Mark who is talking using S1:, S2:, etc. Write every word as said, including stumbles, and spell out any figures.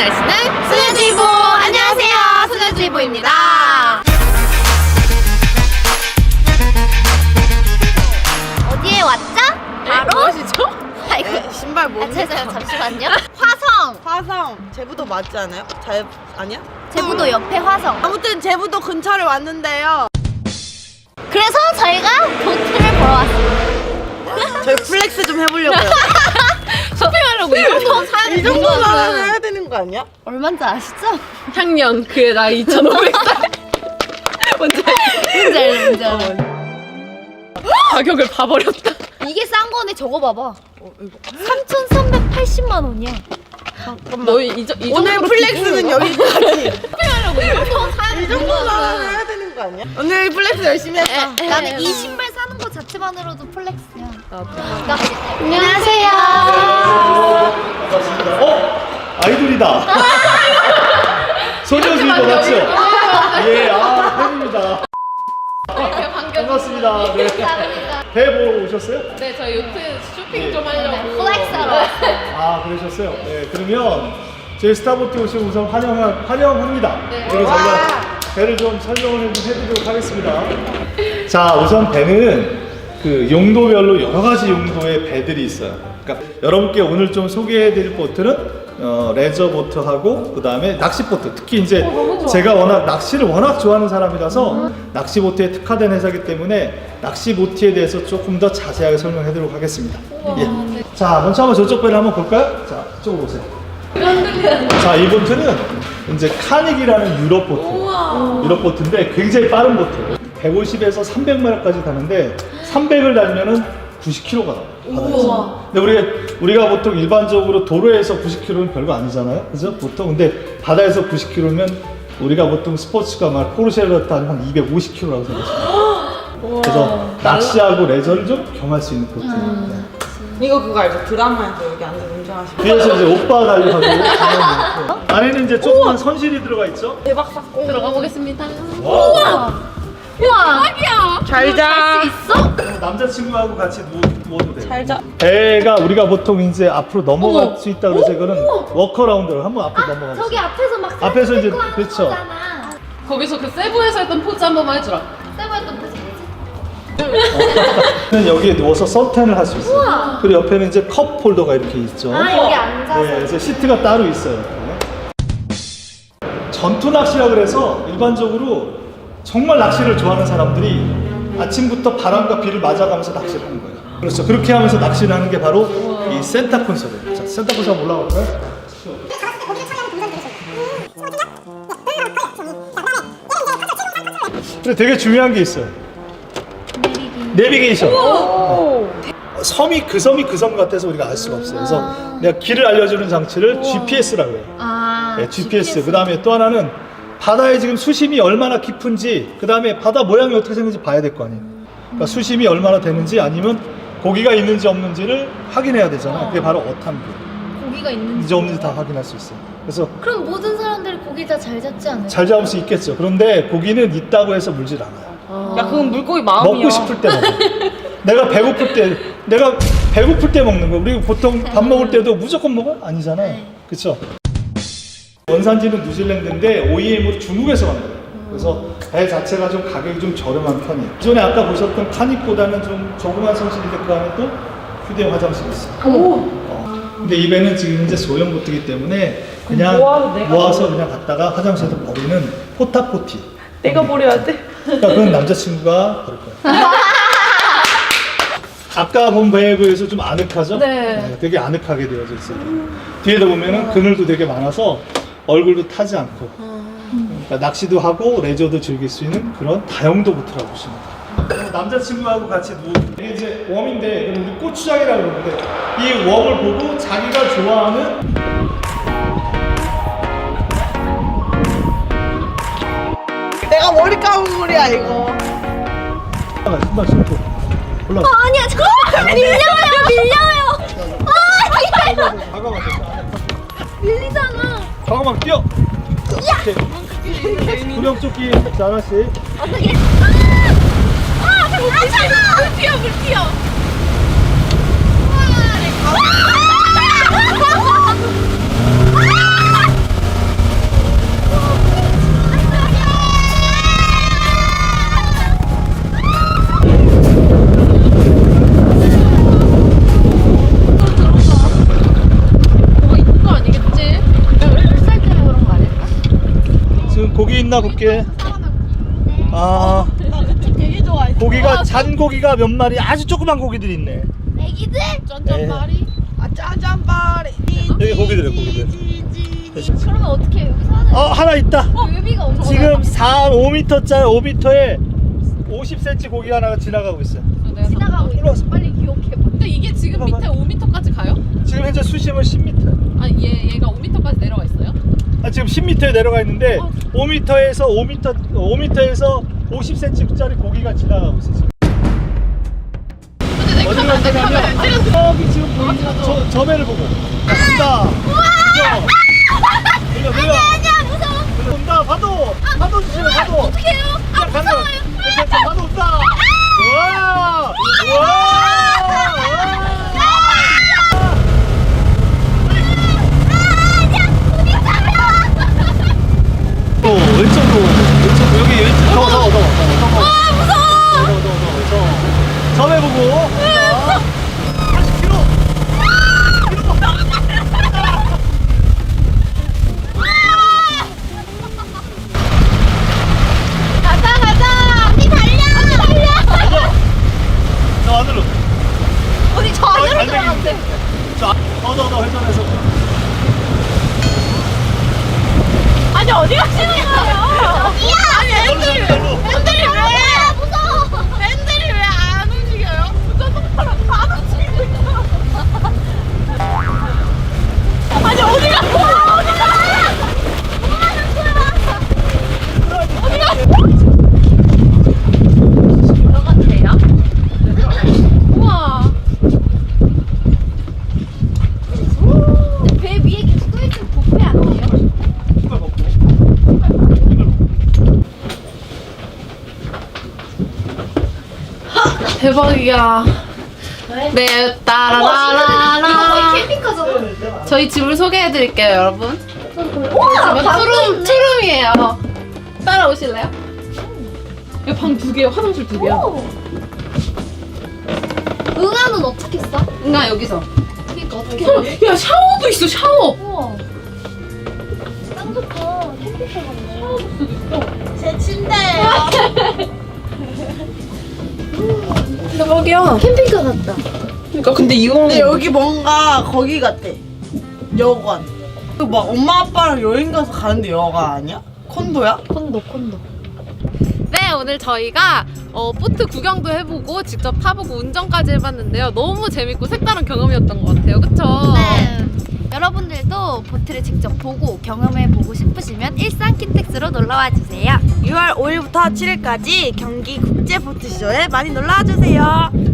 S1: 날씨는 소녀주의보. 안녕하세요, 소녀주의보입니다. 어디에 왔죠? 바로
S2: 무엇이죠?
S1: 아이고
S3: 네, 신발
S1: 아,
S3: 뭡니까?
S1: 죄송해요, 잠시만요. 화성.
S3: 화성 제부도 맞지 않아요? 잘 아니야?
S1: 제부도 옆에 화성.
S3: 아무튼 제부도 근처를 왔는데요.
S1: 그래서 저희가 보트를 보러 왔습니다.
S3: 저희 플렉스 좀 해보려고요.
S2: 쇼핑하려고 이 정도 사야
S3: 이 정도는 해야 되는 거 아니야?
S1: 얼마인지 아시죠?
S2: 향년 그의 나이 이천오백 살. 뭔지 알지?
S1: 뭔지 알죠, 뭔지 알죠.
S2: 가격을 봐버렸다.
S1: 이게 싼 거네. 저거 봐봐. 삼천삼백팔십만 원이야.
S2: 너희 이, 저, 이
S3: 오늘
S2: 정도로
S3: 플렉스는
S2: 기분이
S3: 여기까지.
S2: 쇼핑하려고 이 정도 사야
S3: 이 정도는 해야 되는 거 아니야? 오늘 플렉스 열심히 했어.
S1: 나는 이 신발 사는 거 자체만으로도 플렉스야. 그러니까
S4: 안녕하세요. 어? 아이돌이다. 소녀주의보 맞죠? 예, 아, 팬입니다. 반갑습니다. 네. 배 보러 오셨어요?
S2: 네, 저희 요트 쇼핑 좀 하려고.
S1: 플렉스하러 왔어요.
S4: 아, 그러셨어요? 네, 그러면 저희 스타보트 오시면 우선 환영, 환영합니다.
S2: 네.
S4: 그리고 저희가 배를 좀 설명을 좀 해드리도록 하겠습니다. 자, 우선 배는 그 용도별로 여러 가지 용도의 배들이 있어요. 그러니까 여러분께 오늘 좀 소개해드릴 보트는 어, 레저 보트하고 그 다음에 낚시 보트. 특히 이제 제가 워낙 낚시를 워낙 좋아하는 사람이라서 낚시 보트에 특화된 회사이기 때문에 낚시 보트에 대해서 조금 더 자세하게 설명해드리도록 하겠습니다. 예. 자, 먼저 한번 저쪽 배를 한번 볼까요? 자, 이쪽으로 오세요. 자, 이 보트는 이제 카닉이라는 유럽 보트. 유럽 보트인데 굉장히 빠른 보트. 백오십에서 삼백 마일까지 가는데 삼백을 달면은 구십 킬로미터가 나와요. 바다에서. 근데 우리, 우리가 보통 일반적으로 도로에서 구십 킬로미터는 별거 아니잖아요. 그죠? 보통. 근데 바다에서 구십 킬로미터면 우리가 보통 스포츠카 막 포르쉐를 타면 한 이백오십 킬로미터라고 생각하시면 그래서 낚시하고 레저를 좀 경할 수 있는 보트예요. 음.
S3: 이거 그거 알죠? 드라마에서 여기 앉아서 운전하시고.
S4: 뒤에서 이제 오빠 달려가고 안에는 이제 조그만 선실이 들어가 있죠.
S3: 대박 사건.
S2: 들어가 보겠습니다.
S4: 와.
S1: 우와.
S3: 잘 자.
S1: 할 수 있어?
S4: 남자친구하고 같이 누워, 누워도 돼요.
S3: 잘 자.
S4: 배가 우리가 보통 이제 앞으로 넘어갈 수 있다 그래서 이거는 워커라운드를 한번 앞으로 넘어가
S1: 저기
S4: 보세요.
S1: 앞에서 막
S4: 앞에서 이제,
S1: 셀프 하는
S4: 그렇죠.
S1: 거잖아.
S2: 거기서 그 세부에서 했던 포즈 한 번만 해주라.
S1: 세부했던 포즈 뭐지?
S4: 여기에 누워서 선탠을 할 수 있어요. 그리고 옆에는 이제 컵 홀더가 이렇게 있죠.
S1: 아, 여기 앉아서.
S4: 네, 그래서 시트가 따로 있어요. 이렇게. 전투 낚시라 그래서 일반적으로 정말 낚시를 좋아하는 사람들이 아침부터 바람과 비를 맞아가면서 낚시를 하는 거예요. 그렇죠. 그렇게 하면서 낚시를 하는 게 바로 이 센터 콘솔이에요. 자, 센터 콘솔 한번 올라갈까요? 그래, 되게 중요한 게 있어요. 내비게이션. 섬이 그 섬이 그 섬 같아서 우리가 알 수가 없어요. 그래서 내가 길을 알려주는 장치를 지피에스라고 해요.
S1: 아,
S4: 네, 지피에스. 그 다음에 또 하나는 바다에 지금 수심이 얼마나 깊은지, 그 다음에 바다 모양이 어떻게 생긴지 봐야 될 거 아니에요. 그러니까 수심이 얼마나 되는지 아니면 고기가 있는지 없는지를 확인해야 되잖아요. 그게 바로 어탐기.
S1: 고기가 있는지.
S4: 있는지 없는지 다 확인할 수 있어요. 그래서
S1: 그럼 모든 사람들이 고기 다 잘 잡지 않을까?
S4: 잘 잡을 수 있겠죠. 그런데 고기는 있다고 해서 물질 않아요.
S3: 야, 그건 물고기 마음이야.
S4: 먹고 싶을 때 먹어. 내가 배고플 때, 내가 배고플 때 먹는 거. 우리 보통 밥 먹을 때도 무조건 먹어? 아니잖아요. 그렇죠? 원산지는 뉴질랜드인데 오이엠으로 중국에서 만들어요. 그래서 배 자체가 좀 가격이 좀 저렴한 편이에요. 기존에 아까 보셨던 카닉보다는 좀 조그만 성실인데 그 안에 또 휴대용 화장실이 있어요. 어. 근데 이 배는 지금 이제 소형 보트이기 때문에 그냥
S3: 모아서 내가
S4: 모아서 그냥 갔다가 화장실에서 버리는 포타포티.
S3: 내가 버려야 돼.
S4: 그러니까 그건 남자친구가 버릴 거예요. 아까 본 배에 비해서 좀 아늑하죠?
S2: 네.
S4: 되게 아늑하게 되어져 있어요. 뒤에다 보면은 그늘도 되게 많아서 얼굴도 타지 않고 그러니까 낚시도 하고 레저도 즐길 수 있는 그런 다용도 보트라고 보시면 돼요. 남자친구하고 같이 누워 이게 이제 웜인데 우리 고추장이라고 그러는데 이 웜을 보고 자기가 좋아하는
S3: 내가 머리 감은 물이야 이거.
S4: 신발 신고 올라.
S1: 어, 아니야, 잠깐만. 밀려요, 밀려요. 아, 밀려요.
S4: 과감하게.
S1: 밀리잖아.
S4: 과감하게 뛰어. 구명조끼 자 하나씩.
S1: 어떻게? 아! 아, 잠깐만. 물 튀어, 물 튀어. 아!
S4: 만나볼게. 아,
S3: 되게 좋아해.
S4: 고기가 잔 고기가 몇 마리 아주 조그만 고기들이 있네.
S1: 애기들?
S2: 쩐쩐마리.
S3: 아 짜잔바리.
S4: 여기 고기들이 고기들.
S1: 그러면 어떻게 해요? 여기 사는
S4: 어 하나 있다.
S1: 묘비가 엄청
S4: 지금 사, 오 미터짜리 오 미터에 오십 센티미터 고기가 하나가 지나가고 있어요.
S1: 지나가고
S4: 일로 와서.
S1: 있어. 빨리 기억해봐.
S2: 근데 이게 지금 밑에 오 미터까지 가요?
S4: 지금 현재 수심은 십 미터.
S2: 아니 얘 얘가 오 미터까지 내려와 있어요?
S4: 아, 지금 십 미터에 내려가 있는데
S2: 어.
S4: 오 미터에서 오 미터 오 미터에서 오십 센티미터짜리 고기가 지나가고 있어 지금.
S2: 근데 내
S4: 어디로
S2: 카메라 내 카메라
S4: 가냐면
S2: 찍었어.
S4: 저기 지금 보이는 저, 저 배를 보고 간다. 이거 내려.
S1: 아니야 무서워.
S4: 온다 파도. 파도 주시면 파도.
S1: 어떻게 해요? 아
S4: 야, 가면.
S1: 무서워요.
S4: 괜찮아, 파도 온다. 우와. 우와. 또 왼쪽으로 왼쪽 여기 왼쪽 더더더더더
S1: 아 무서워.
S4: 더더더더 저배 보고 팔십 킬로미터
S1: 가자 가자. 언니 달려. 언니 달려.
S4: 저 안으로
S1: 언니 저
S4: 거의
S1: 안으로 들어가면
S4: 갈매기인데 저 더더더 회전해서
S1: 아니 어디 가시는 거예요? 어디야? 아니
S4: 앤들이
S1: 앤들이 왜? 무서워. 앤들이 왜 안 움직여요? 무서워랑 다 움직이고 있어. 아니 어디 가? 어디 가? 뭐 하는 거야? 어디 가?
S2: 들어가도 돼요? 우와.
S1: 배 위에 계속 떠있는 복배 아니에요?
S4: 이걸 먹고
S2: 대박이야. 네,
S1: 이거
S2: 따라라라라.
S1: 거의 캠핑카잖아.
S2: 저희 집을 소개해드릴게요, 여러분.
S1: 우와
S2: 방 투룸, 투룸이에요. 따라오실래요? 여기 방 두 개요, 화장실 두 개요.
S1: 응아는 어떻게 써?
S2: 응아, 여기서.
S1: 그러니까 어떻게
S2: 어, 야, 샤워도 있어, 샤워.
S1: 우와. 딱 좋다. 캠핑카 같네.
S3: 제 침대예요.
S2: 대박이야.
S1: 캠핑카 같다.
S2: 그러니까 근데 이거
S3: 근데 여기 뭔가 거기 같대. 여관. 그 막 엄마 아빠랑 여행 가서 가는데 여관 아니야? 콘도야?
S1: 콘도 콘도.
S2: 네, 오늘 저희가 어, 보트 구경도 해보고 직접 타보고 운전까지 해봤는데요. 너무 재밌고 색다른 경험이었던 것 같아요. 그쵸?
S1: 네. 여러분들도 보트를 직접 보고 경험해보고 싶으시면 일산 킨텍스로 놀러와 주세요.
S3: 유월 오일부터 칠일까지 경기 국제보트쇼에 많이 놀러와 주세요.